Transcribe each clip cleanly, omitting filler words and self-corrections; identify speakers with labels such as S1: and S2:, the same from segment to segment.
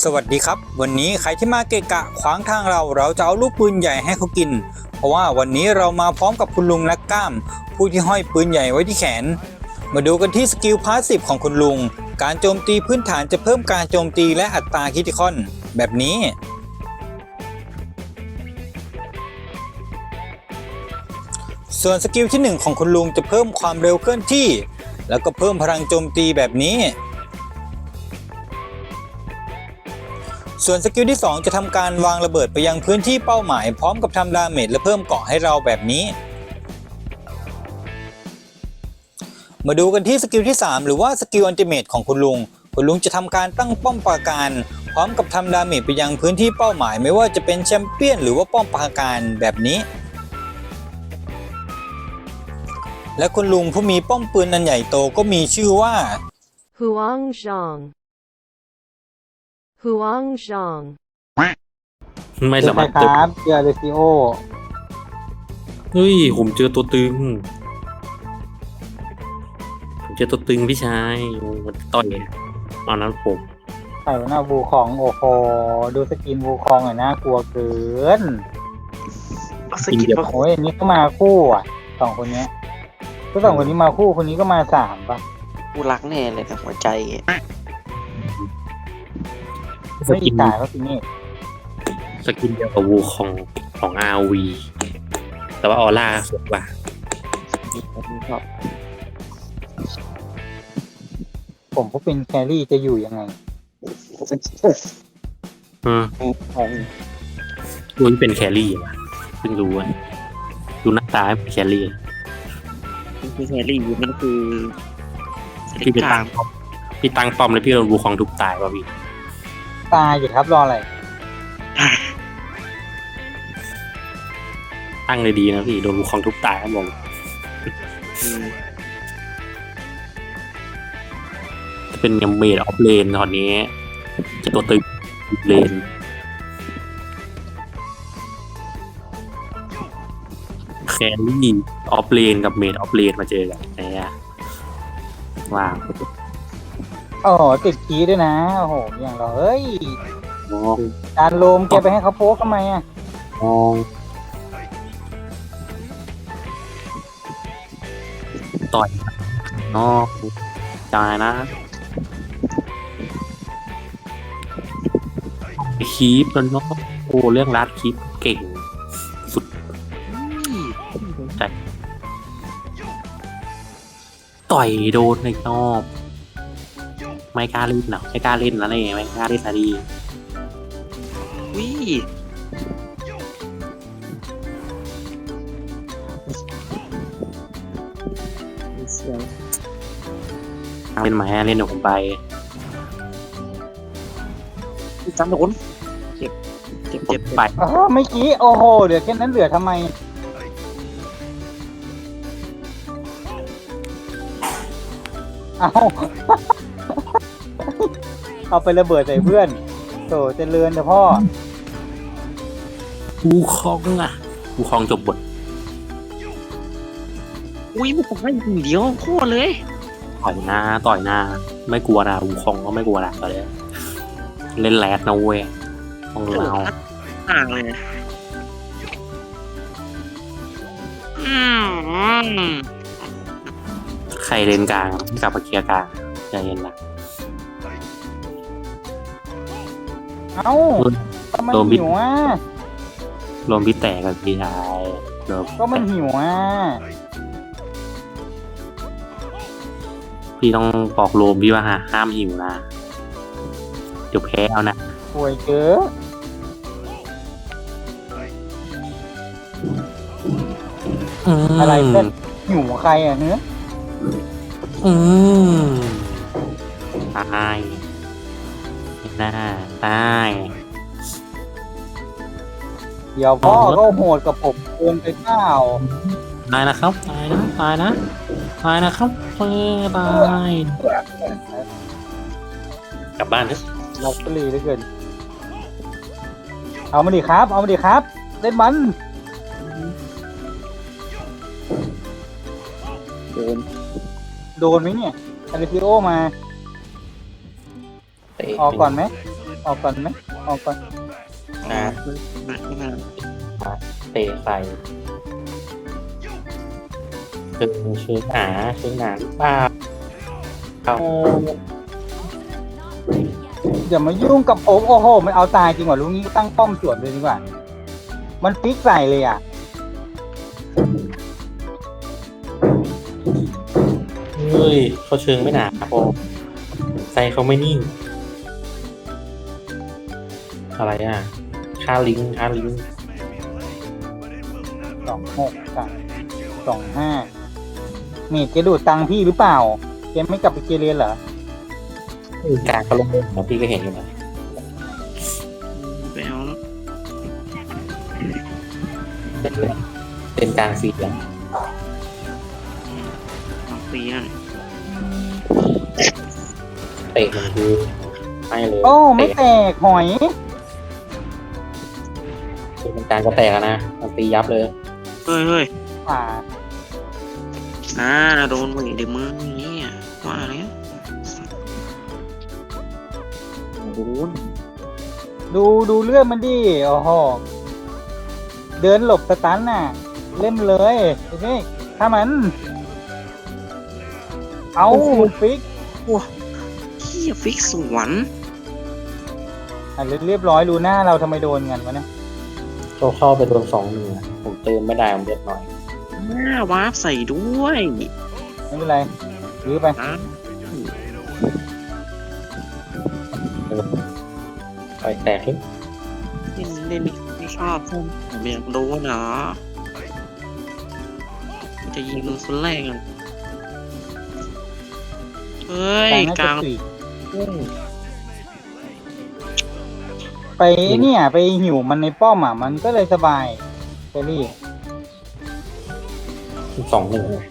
S1: สวัสดีครับวันนี้ใครที่มาเกะกะขวางทางเราจะเอาลูกปืนใหญ่ให้เขากินเพราะว่าวันนี้เรามาพร้อมกับคุณลุงและก้ามผู้ที่ห้อยปืนใหญ่ไว้ที่แขนมาดูกันที่สกิลพาสซีฟของคุณลุงการโจมตีพื้นฐานจะเพิ่มการโจมตีและอัตราคริติคอลแบบนี้ส่วนสกิลที่1ของคุณลุงจะเพิ่มความเร็วเคลื่อนที่แล้วก็เพิ่มพลังโจมตีแบบนี้ส่วนสกิลที่2จะทำการวางระเบิดไปยังพื้นที่เป้าหมายพร้อมกับทำดาเมจและเพิ่มเกราะให้เราแบบนี้มาดูกันที่สกิลที่3หรือว่าสกิลอัลติเมทของคุณลุงจะทำการตั้งป้อมปราการพร้อมกับทำดาเมจไปยังพื้นที่เป้าหมายไม่ว่าจะเป็นแชมเปี้ยนหรือว่าป้อมปราการแบบนี้และคุณลุงผู้มีป้อมปืนอันใหญ่โตก็มีชื่อว่า
S2: ฮวงซอง
S3: ไม่สามารถ
S4: ครับเจอเรซิโอ
S3: เฮ้ยผมเจอตัวตึงพี่ชายมันต่อยเอานั้นผม
S4: ใส่หน้าบูคองโอ้โหดูสกินบูคองหน่อยน่ากลัวเกิน
S5: สกินมา
S4: โอ้ยอันนี้ก็มาคู่อ่ะสองคนเนี้ยก็สองคนนี้มาคู่คนนี้ก็มา3ป่ะ
S5: กูรักแน่เลยกับหัวใจ
S4: ไม่อีกตายก็ทีนี่
S3: สกินเดียวกับวูของ RV แต่ว่าออร่าสวยกว่า
S4: ผมก็เป็นแครี่จะอยู่ยังไง
S3: รู้ที่เป็นแครี่ว่ะเพิ่งรู้อ่ะดูหน้าตาเป็นแครี่
S5: คือแครี่มันคือ
S3: พี่ไปตั้งป้อมแล้วพี่โดนวูคองทุบตายป่ะพี่
S4: ตายอยู่ครับรออะไร
S3: ตั้งเลยดีนะพี่โดนวูคองทุบตายครับผมจะเป็นยังเมดออฟเลนตอนนี้จะตัวตึงเลนแครี่ออฟเลนกับเมดออฟเลนมาเจอกันเนี่ยว้าว
S4: โอ้โหติดคีย์ด้วยนะโอ้โหอย่างเราเฮ้ย
S3: มอง
S4: การโลมแกไปให้เขาโป๊กทำไมอ่ะ
S3: มองต่อยนอกจ่ายนะคีปแล้วเนาะโอ้เรื่องรัดคีปเก่งสุดใจต่อยโดนในนอกไม่กล้าเล่นหรอไม่กล้าเล่นแล้วเนี่ยไม่กล้าเล่นอะไรดี
S5: วิ
S3: เล่นไหมเล่นเดี๋ยวผมไป
S5: จำโดนเจ็บ
S3: ไป
S4: อ๋อเมื่อกี้โอ้โหเหลือแค่นั้นเหลือทำไมเอา เอาไประเบิดใส่เพื่อนโถเจริญเถอะพ่อ
S3: วูคองอ่ะวูคองจบบท
S5: อุ้ยมันผมให้เดียวโคตรเลย
S3: ต่อยหน้าไม่กลัวนะวูคองก็ไม่กลัวนะตอนนี้เล่นแรดนะเว้ยของเรา
S5: ต่างเลยม
S3: ใครเล่นกลางกับมาเคลียร์กลางใจเย็นนะ
S4: เอ้าก็มัน
S3: โดนบิด
S4: หิวอ่ะ
S3: รวมพี่แตกกับพี่ชายรวม
S4: ก็มันหิวอ่ะ
S3: พี่ต้องบอกโรมพี่ว่าห้ามหิวนะเดี๋ยวแพ้เอานะ
S4: ป่วยเกินอะไรเพื่อนหิวใครอ่ะเนื้อ
S3: ตายหน้าตาย
S4: เดี๋ยวพ่อก็โหดกับผมเกินไปเปล่า
S3: ตายนะครับตายนะครับตายกลับบ้านเถอะ
S4: เราก็รีเหลือเกินเอามาดิครับเล่นมัน โดนไหมเนี่ยอาริฟิโอมา ออกก่อนไหมออกก่อนไหมออกก่อน
S3: นะ
S5: ไม่มา
S3: เตะใส่เชิงหนาหรือเปล่าเอา
S4: อย่ามายุ่งกับผมโอ้โหมันเอาตายจริงว่ะลูกนี้ตั้งป้อมสวนเลยดีกว่ามันฟิกใส่เลยอ่ะ
S3: เฮ้ยเขาเชิงไม่หนาพอใจเขาไม่นิ่ง อะไรอ่ะค่าลิงก์
S4: 26 25เมดแกดูดตังค์พี่หรือเปล่าแกไม่กลับไปเกเรเหรอ
S3: การเขาลงนะพี่ก็เห็นอยู่นะ
S5: ไปเอาแล้ว
S3: เป็นกลางฟีดแล้ว
S5: เอาฟรีนั่น
S3: เตะมันคือไม่เลย
S4: โอ้ไม่แตกหอย
S3: เป็นการก็แตกแล้วนะมันตียับเลย
S5: เฮ้ย
S4: อ่า
S5: โดนมึงเดี๋ยวมึงเนี่ยว่าแล้วโดน
S4: ดูเรื่องมันดิโอ้โหเดินหลบสตันน่ะ เล่นเลยไอ้นี่ถ้ามัน เอาฟิก
S5: เฮียฟิกสวน
S4: อ่ะเรียบร้อยดูหน้าเราทำไมโดนกันวะเนี่ย
S3: เข้าไปโดน2-1ผมเติมไม่ได้ผมเลือดหน่อย
S5: หน้าวาร์ปใส่ด้วย
S4: ไม่เป็นไรยื้อไป
S5: อ่ะ
S3: ไปแตกขึ้น
S5: เล่นไม่ชอบผมอยากโดนเหรอจะยิงมึงคนแรกอ่ะเฮ้ย
S4: น่าก จะ
S5: ลาง
S4: สี่ไปเนี่ย ไปหิวมันในป้อมอ่ะมันก็เลยสบายเฟรรี่
S3: 2-1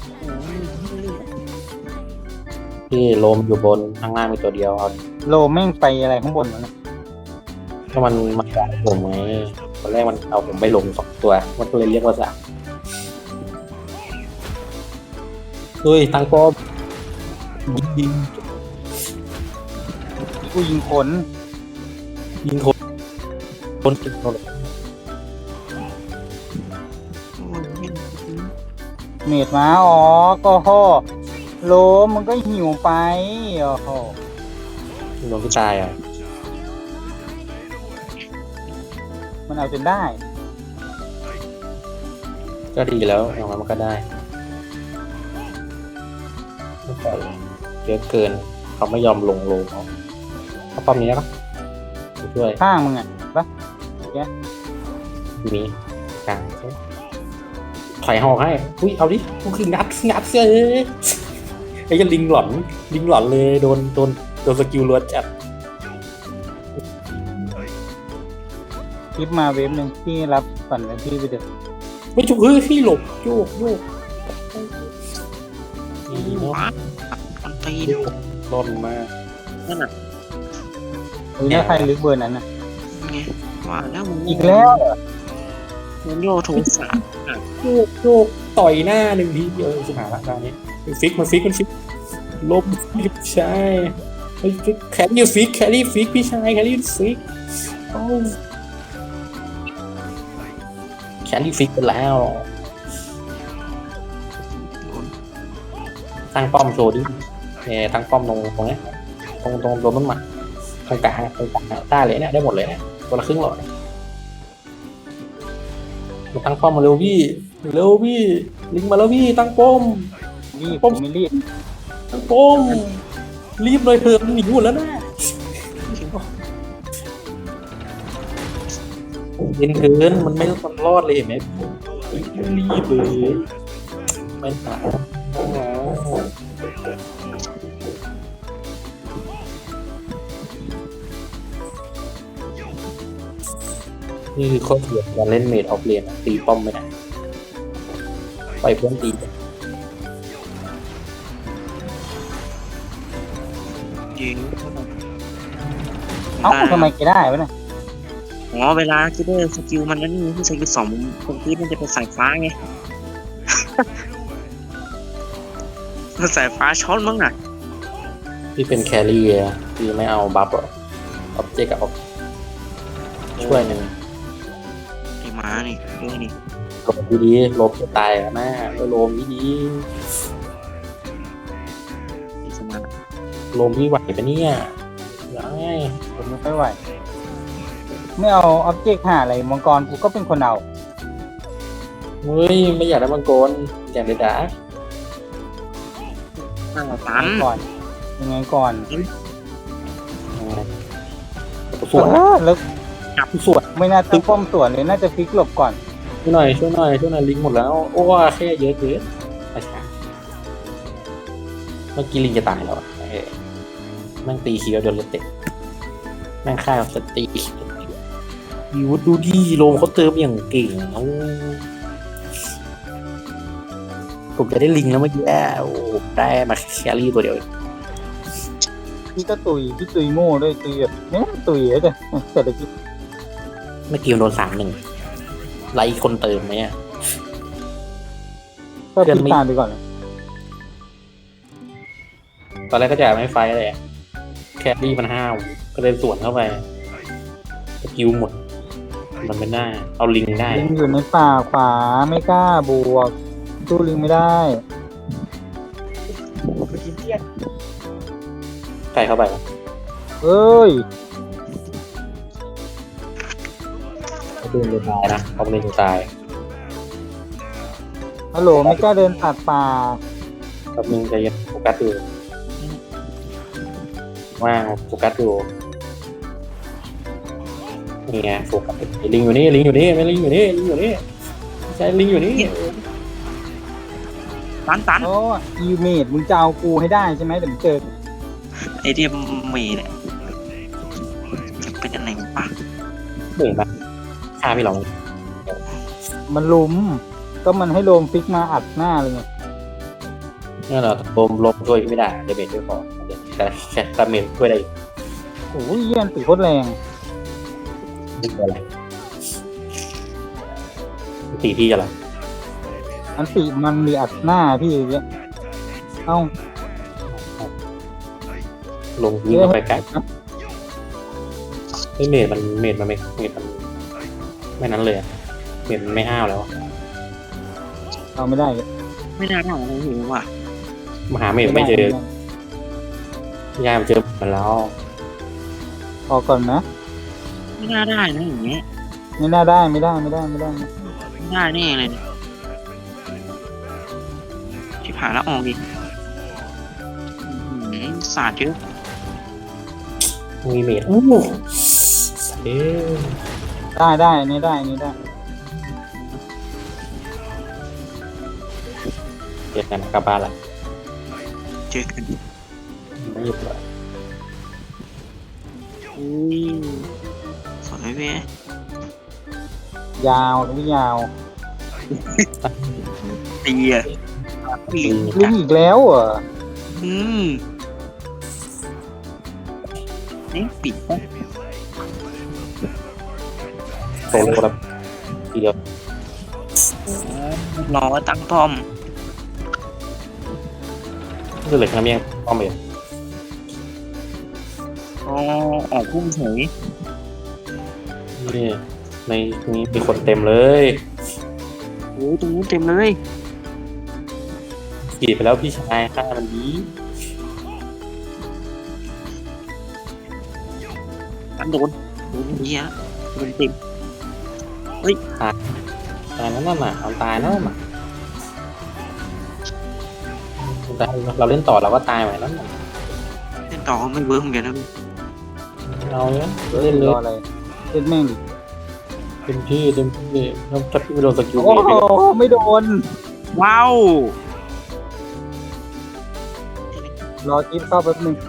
S3: ที่โลมอยู่บนข้างล่างมีตัวเดียวเอา
S4: โลแม่งไปอะไรข้างบนวะเนี่ย
S3: ถ้ามันด่าผมไงตอนแรกมันเอาผมไปลง2 ตัวมันก็เลยเรียกว่า3เฮ้ยตั้งป้อมยิง
S4: กูยิงขน
S3: คนติดโดน
S4: เมดมาอ๋อก็โหโลมันก็หิวไปโอ้โห
S3: โดนพี่ตายอ่ะ
S4: มันเอาจนได้
S3: ก็ดีแล้วอย่างนั้นมันก็ได้เยอะเกินเขาไม่ยอมลงโลเขาป้อมนี้นะครับช่วย
S4: ข้างมึงอ่ะปะ
S3: มีกลางถอยหอกให้อุ้ยเอาดิกูคืองัดเสื้อไอ้ยันลิงหลอนเลยโดนสกิลล้วนจัด
S4: คลิปมาเวฟหนึ่งที่รับก่อนแล้วพี่ไปเดือด
S3: ไม่จุกเฮ้ยพี่หลบโยกดีเนาะ
S5: วาร์ปมันตีน
S3: ร่อนมาก
S5: นั่นน่ะ
S4: อุ้ยถ้าใครลึกเบอร์นั้นนะ
S5: ไงว่าแล้วมึง
S4: อีกแล้วเหรอ
S5: มึงโยโทสะ
S3: โยกต่อยหน้าหนึ่งทีเดียวสุดหาละคราวนี้มันฟิกลบใช่แครี่ฟิกพี่ชายแครี่ฟิกโอ้แครี่ฟิกไปแล้วตั้งป้อมโชว์ดิตั้งป้อมตรงนี้ตรงโดนมันมาตรงกลางได้เลยเนี่ยได้หมดเลยเนี่ยคนละครึ่งหลอดมาตั้งป้อมมาเร็วพี่ลิงมาแล้วพี่ตั้งป้อม
S4: รีบผมไม่รีบ
S3: ตั้งป้อมรีบเลยเถอะมันหนีหมดแล้วนะเย็นเกินมันไม่รอดเลยเห็นไหมรีบเลยไม่ตายนี่คือข้อเสียการเล่นเมดออฟเลนตีป้อมไม่ได้ปล่อยเพื่อนตี
S5: ยิง
S4: เอ้าทำไมแกได้วะเนี่ย
S5: อ๋อเวลาคิดได้สกิลมันนั่นนี่ที่สกิลสองคนที่มันจะเป็นสายฟ้าไง สายฟ้าช็อตมั้งน่ะ
S3: ที่เป็นแครี่อะที่ไม่เอาบัฟหรอออบเจกต์กับออบช่วยหนึ่ง
S5: ไอ้หมานี่ด้วยนี่
S3: โลมดีๆโลมจะตายแล้วนะโลมดี
S5: ไอ้สมาร์ท
S3: ๆโลมที่ไหวปะเนี่ยได้
S4: ผมไม่ค่อยไหวไม่เอาออบเจกต์หาอะไรมังกรกูก็เป็นคนเอา
S3: เฮ้ยไม่อยากได้มังกรอยากได้ดาร์ก
S5: ตั้งตัน
S4: ก่อนยังไงก่อน
S3: สวน
S4: แล้ว
S3: สวน
S4: ไม่น่าตั้งป้อมสวนเลยน่าจะฟิกหลบก่อน
S3: ช่วยหน่อยลิงหมดแล้วโอ้แค่เยอะเกินอาชาเมื่อกี้ลิงจะตายแล้วแม่งตีคีย์โดนรถเตะแม่งฆ่าสตียูดูดีโลมเขาเติมอย่างเก่งผมจะได้ลิงแล้วเมื่อกี้โอ้ได้มาแครี่ตัวเดียว
S4: พี่ก็พี่ตุยโง่ด้วยตุยแบบเนี่ยตุยเลยจ้ะเศรษฐกิจ
S3: เมื่อกี้โดน3-1ไล่คนเติมไหมอ่ะ
S4: ก็พิจารณาไปก่อนเลย
S3: ตอนแรกก็จะไม่ไฟเลยแครี่มันห้าวก็เลยสวนเข้าไปสกิลหมดมันไม่ได้เอาลิงได้
S4: ลิงอยู่ในป่าขวาไม่กล้าบวกสู้ลิงไม่ได้
S3: ใส่เข้าไป
S4: เอ้ย
S3: เขาเดินจะตายนะเขาเดินจะตาย
S4: ฮัลโหลไม่กล้าเดินตัดป่า
S3: กับมึงจะยังโฟกัสดูว่างโฟกัสดูนี่ไงโฟกัสลิงอยู่นี่ไม่ลิงอยู่นี่ใช่ลิงอยู่นี่
S5: ตัน
S4: โอ้ยูเมดมึงจะเอากูให้ได้ใช่ไหมเดี๋ยวมึงเจอ
S5: ไอเดียเมย์เนี่ยจะเป็นอะไรปะ
S3: เหนื่อยปะฆ่าพี่เรา
S4: มันลุมก็มันให้โลมฟิกมาอัดหน้าเลยไง
S3: นี่เราลมช่วยไม่ได้เดเมจด้วยพอแต่แค่ดาเมจช่วยได้
S4: โอ้ยเยี่ยนตีโคตรแรง
S3: ไม่เป็นไรตีพี่อะไร
S4: อันติมันมีอัดหน้าพี่อย่างเงี้ยเอ้า
S3: ลงยิงเข้าไปใกล้ไม่เมจมันไม่ไม่นั้นเลยเมจมันไม่ห้าวแล้ว
S4: เอาไม่ได้เลย
S5: ไม่น่าได้อะไรอยู่ว่ะ
S3: มหาเมจไม่เจอยามเจอมันแล้ว
S4: ออกก่อนนะ
S5: ไม่น่าได้นะอย่างเงี้ย
S4: ไม่น่าได้ไม่ได้
S5: ไม่ได้แน่เลยชิบหายแล้วออกดิศาสตร์เยอะ
S3: มีเมจโอ้เอ๊ะ
S4: ได้นี่ได้
S3: เจ็ดกันกลับบ้านละ
S5: เจอกัน
S3: ไม่หยุดเลย
S5: อุ้ยสวยเว้ย
S4: ยาวไม่ยาว
S5: ตีอ่ะปี
S4: ลิงอีกแล้วเหรอ
S5: อืมนี่ปิดปะ
S3: โซโล่แล้วทีเดียว
S5: รอตั้งป้อม
S3: นี่เลยครับยังป้อมเมจ
S5: อ๋อออกพุ่งเฉย
S3: นี่ในนี้มีคนเต็มเลย
S5: โอ้ตรงนู้นเต็มเลย
S3: ขี่ไปแล้วพี่ชายฆ่ามันดี
S5: ตันโดนดีฮะโดนเต็ม
S3: ตายแล้วนั่นน่ะเอาตายแล้วน่ะแต่เราเล่นต่อเราก็ตายเหมือนนั้นน่ะ
S5: เล่นต่อไม่เวิร์กเหมือนกันนะ
S3: เราเนี่ย
S4: เล่
S3: เล่
S4: น
S3: นเล
S4: รอย อะไรเล่นแม่งดิ
S3: เต็มที่แล้วถ้าพี่ไม่โดนสกิล
S4: โอ้โหไม่โดน
S5: ว้าว
S4: รอจิ๊บเข้าแป๊บนึง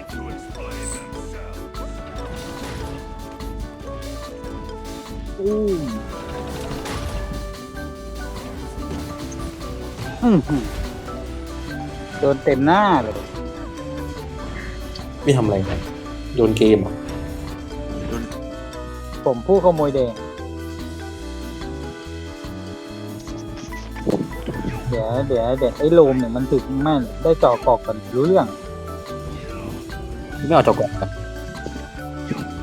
S5: อู้
S4: โดนเต็มหน้าเลย
S3: ไม่ทำอะไรกันโยนเกมเหรอ
S5: โดน
S4: ผมผู้ขโมยแดงเดี๋ยวไอ้โลมเนี่ยมันถึงแม่นได้จ่อกอกกันรู้เรื่อง
S3: ไม่เอาจอกก่อน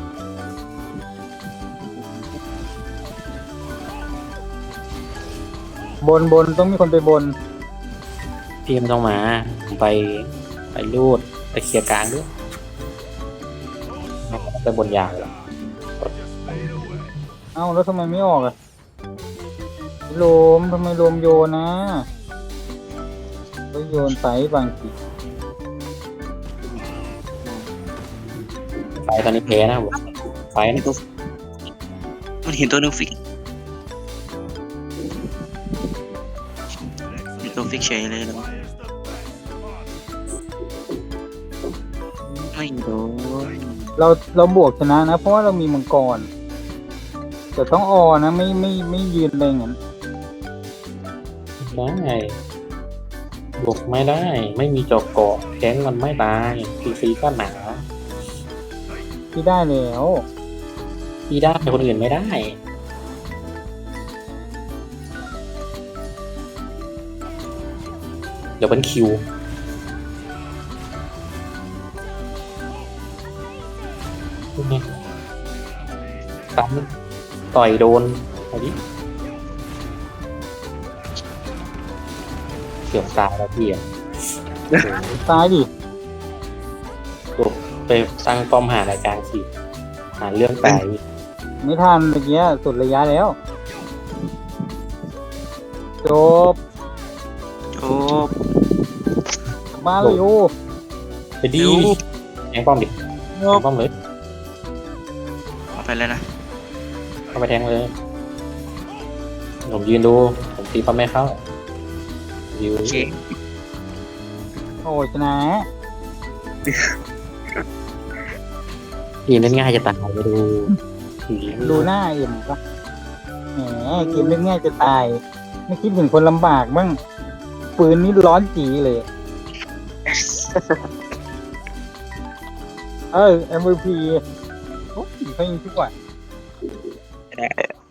S4: บนต้องมีคนไปบน
S3: พี่ไม่ต้องมาผมไปรูดไปเคลียร์กลางด้วยไปบนยาวเลย
S4: เอ้าแล้วทำไมไม่ออกอ่ะโลมทำไมโลมโยนนะก็โยนไปบางที
S3: ไฟตอนนี้แพ้นะผมไฟ
S5: เห็น
S3: นะ
S5: ตัวมันเห็นตัวหนึงฟิกมีตัวฟิกเฉยเลยแล้วไม่โดน
S4: เราบวกชนะนะ เพราะว่าเรามีมังกรแต่ต้องออนะไม่ยืนอะไรอย่างนั้น
S3: ได้บวกไม่ได้ ไม่มีจอกเกาะแข้งมันไม่ตายฟรีๆก็หนา
S4: ที่ได้แล้ว
S3: พี่ได้คนอื่นไม่ได้เดี๋ยวเป็นคิวนี่ตั้มต่อยโดนเอาดิเกือบตายแล้วพี่อ่ะ
S4: ตายดิ
S3: โดดไปตั้งป้อมหารายการสิหาเรื่องตาย
S4: ไม่ทันเมื่อกี้สุดระยะแล้วจบ
S5: โอ้
S4: มาเลยโอ้
S3: ไปดีแทงป้อมดิแทงป้อมเลย
S5: เอาไปเลยนะ
S3: เข้าไปแทงเลยผมยืนดูผมตีป้อมไม่เข้ายืน
S5: โอเค
S4: โอ้ชนะ
S3: ยืนเล่นง่ายจะตายไปดู
S4: ดูหน้าเอ็มปะแหมเกมเล่นง่ายจะตาย ไม่คิดถึงคนลำบากบ้างปืนนี่ร้อนจีเลย MVP โอ้ยเขายิงทุกวัน
S5: ได้